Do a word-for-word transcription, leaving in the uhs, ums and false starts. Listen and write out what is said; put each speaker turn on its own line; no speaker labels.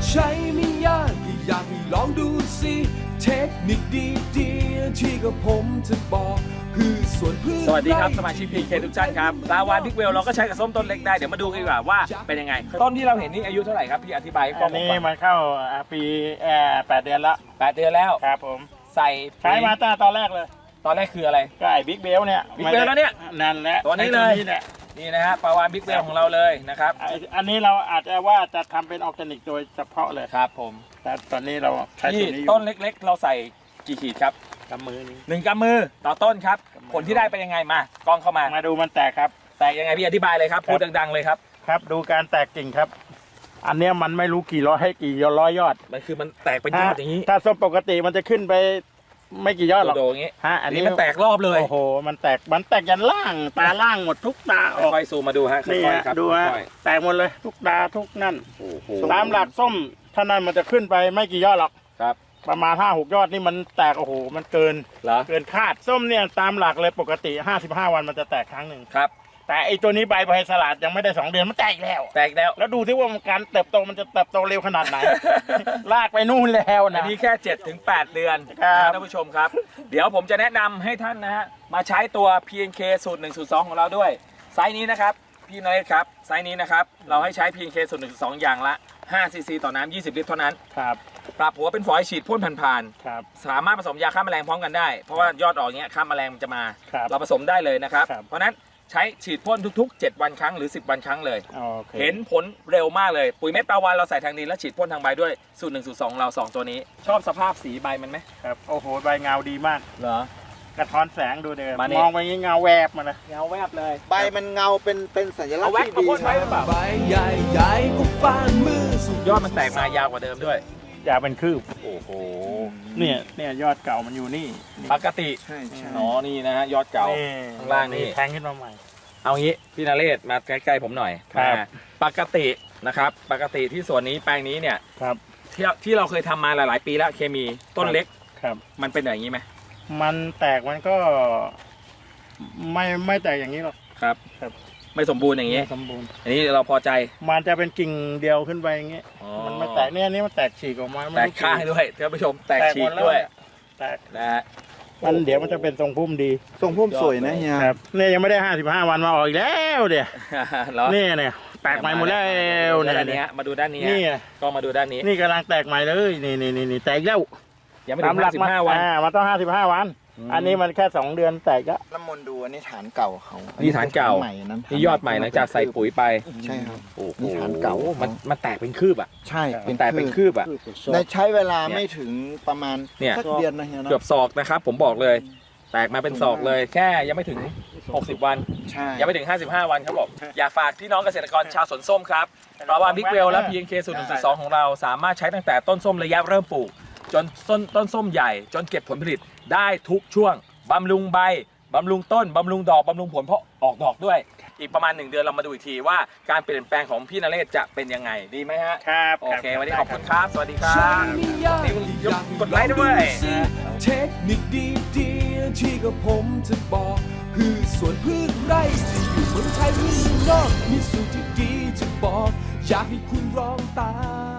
ใช้ไม่ยากก็อยากให้ลองดูสิเทคนิคดีๆที่กับผมจะบอกคือส่วนพืช
สวัสดีครับสมาชิก พี เค ทุกท่านครับลาวาบิ๊กเวลเราก็ใช้กับส้มต้นเล็กได้เดี๋ยวมาดูกันดีกว่าว่าเป็นยังไงต้นที่เราเห็นนี่อายุเท่าไหร่ครับพี่อธิบายให้ฟั
อั
ง
นนี้มันเข้าปีแอร์แปดเดือนละ
แปดเดือนแล้ว
ครับผม
ใส่
ใช้มาตั้งแต่ตอนแรกเลย
ตอนแรกคืออะไร
ก็ไอ้บิ๊กเบลเนี่ย
Big Bell แล้วเนี่ย
นั่นแหละ
ตัวนี้เลย
ไอ้แหละ
นี่นะฮะปลาวานบิ๊กเวลของเราเลยนะครับ
ไอ้อันนี้เราอาจจะว่าจะทำเป็นออร์แกนิกโดยเฉพาะเลย
ครับผม
แต่ตอนนี้เราใช้
ที่
ตัวนี้อยู่
ต้นเล็กๆ เราใส่กี่ขีดครับ
กำมือนี้
หนึ่งกำมือต่อต้นครับผลที่ได้เป็นยังไงมากล้องเข้ามา
มาดูมันแตกครับ
แตกยังไงพี่อธิบายเลยครับพูดดังๆเลยครับ
ครับ ดูการแตกกิ่งครับ อันเนี้ยมันไม่รู้กี่ร้อยให้กี่ร้อยยอด
มันคือมันแตกเป็นยอดอย่างนี้
ถ้าส้มปกติมันจะขึ้นไปไม่กี่ยอดหรอก
โดดๆอย่างนี้
ฮะ
อันนี้มันแตกรอบเลย
โอ้โหมันแตกมันแตกยันล่างตาล่างหมดทุกตาออก
ค่อยๆซูมมาดูฮะค่
นี่
อย
ฮะ
ๆครับ
ดูฮะ
ค่อย
แตกหมดเลยทุกตาทุกนั่น
ๆโอ้โห
ตามหลักส้มถ้านั่นมันจะขึ้นไปไม่กี่ยอดหรอก
ครับ
ประมาณห้าหกยอดนี่มันแตกโอ้โหมันเกิน
เหรอ
เกินคาดส้มเนี่ยตามหลักเลยปกติห้าสิบห้าวันมันจะแตกครั้งหนึ่ง
ครับ
แต่ไอตัวนี้ใบใบสลัดยังไม่ได้สองเดือนมันแตกแล้ว
แตกแล้ว
แล้วดูที่ว่ามันการเติบโตมันจะเติบโตเร็วขนาดไหน ลากไปนู่นแล้ว
อัน
นะ
นี้แค่ เจ็ดถึงแปด เดือน
ครับ
นะท่านผู้ชมครับ เดี๋ยวผมจะแนะนำให้ท่านนะฮะมาใช้ตัว พี เอ็น เค สูตรหนึ่งสูตรสองของเราด้วยไซส์นี้นะครับพี่นเรศครับไซส์นี้นะครับเราให้ใช้ พี เอ็น เค สูตรหนึ่งสูตรสองอย่างละห้าซีซีต่อน้ำยี่สิบลิตรเท่านั้น
ครับ
ปรับหัวเป็นฝอยฉีดพ่นผ่าน
ครับ
ๆสามารถผสมยาฆ่าแมลงพร้อมกันได้เพราะว่ายอดออกเงี้ยฆ่าแมลงมันจะมา
ครับ
เราผสมได้เลยนะครับ
ครับ
เพราะฉะนั้นใช้ฉีดพ่นทุกๆ เจ็ด วันครั้งหรือ สิบ วันครั้งเลย
โอเค
เห็นผลเร็วมากเลยปุ๋ยเม็ดปลาวานเราใส่ทางดินแล้วฉีดพ่นทางใบด้วยสูตรหนึ่งสูตรสองเราสองตัวนี้ ชอบสภาพสีใบมันไหม
ครับโอ้โหใบเงาดีมาก
เหรอ
กระท้อนแสงดูเดิ
มานี่
มองไปงี้เงาแวบมาเลย
เงาแวบเลย
ใบมันเงาเป็นเป็นสัญลัก
เอา
ษณ์
แว็ก
ที่
มา
ดี
พ่นไว้หรือเปล่า
ใบใหญ่ๆก็ฟานมือสุด
ยอดมันแตกมายาวกว่าเดิมด้วย
อยากเป็นคืบ
โอ้โห
เนี่ยเนี่ยยอดเก่ามันอยู่นี่นี่
ปกติ
ใช่ใช่
อ๋อนี่นะฮะยอดเก่า ข้างล่างนี่
แทงขึ้นมาใหม่
เอางี้พี่นเรศมาใกล้ๆผมหน่อย
ครับ
อ่าปกตินะครับปกติที่สวนนี้แปลงนี้เนี่ย
ครับ
ที่ที่เราเคยทำมาหลายๆ ปีแล้วเคมีต้นเล็ก
ครับ
มันเป็นอย่างนี้ไหม
มันแตกมันก็ ไม่ไม่แตกอย่างนี้หรอก
ครับ
ครับ
ไม่สมบูรณ์อย่างนี้
สมบูรณ์
อันนี้เราพอใจ
มันจะเป็นกิ่งเดียวขึ้นไปอย่างเงี้ย
อ๋อ
มันไม่แตกเนี่ยอันนี่มันแตกฉีกออกมาไม่
แตก
รู้
ข้างด้วยท่านผู้ชมแตกฉี
หม
ก
แล้
ด้วย
แตก
นะฮะ
มันเดี๋ยวมันจะเป็นทรงพุ่มดี
ทรงพุ่มสวยนะเฮีย
ครับเนี่ยยังไม่ได้ห้าสิบห้าวันมาออกอีกแล้วเดี๋ยว
เหรอ
นี่เนี่ยแตกใหม่หมดแล้ว
มาดู
เนี่ย
ด้านนี้ฮะมาดูด้านนี้ฮะ
นี่
ก็มาดูด้านนี้
นี่กำลังแตกใหม่เลยนี่นี่นี่นี่แตกแล้ว
ยังไม่ถึงห้าสิบห้าวัน
อ่ามันต้องห้าสิบห้าวัน
อืม
อันนี้มันแค่สองเดือนแตกก็
น้ำมนต์ดูอันนี้ฐานเก่าเขา
นี่ฐานเก่า
ใหม่นั้น
นี่ยอดใหม่หลังจากใส่ปุ๋ยไป
ใช่ครับ
โอ้โห
นี่ฐานเก่า
มันมันแตกเป็นคืบอ่ะ
ใช่
มันแตกเป็นคืบอ่ะ
ในใช้เวลาไม่ถึงประมาณ
เนี่ย
สักเดือนนะเฮียเนาะ
เกือบศอกนะครับ ผมบอกเลย แตกมาเป็นศอกเลย แค่ยังไม่ถึงหกสิบวัน
ใช่
ยังไม่ถึงห้าสิบห้าวันครับผมอยากฝากพี่น้องเกษตรกรชาวสวนส้มครับปลาวานบิ๊กเวลและ พี เอ็น เค สูตรหนึ่งสูตรสองของเราสามารถใช้ตั้งแต่ต้นส้มระยะเริ่มปลูก จนต้นต้นส้มใหญ่ จนเก็บผลผลิตได้ทุกช่วงบำรุงใบบำรุงต้นบำรุงดอกบำรุงผลเพราะออกดอกด้วย อีกประมาณหนึ่งเดือนเรามาดูอีกทีว่าการเปลี่ยนแปลงของพี่นเรศจะเป็นยังไงดีไหมฮะ
ครับ
โอเควันนี้ขอบคุณครับ สวัสดีครั
ใช้
บ
ไม่ยาก
นี่มึงยกกดไลค์ด้วย
เทคนิคดีๆที่กับผมจะบอกคือส่วนพืชไร่ที่อยู่เมืองไทยหรือเมืองนอกมีสูตรที่ดีจะบอกอยากให้คุณลองตาม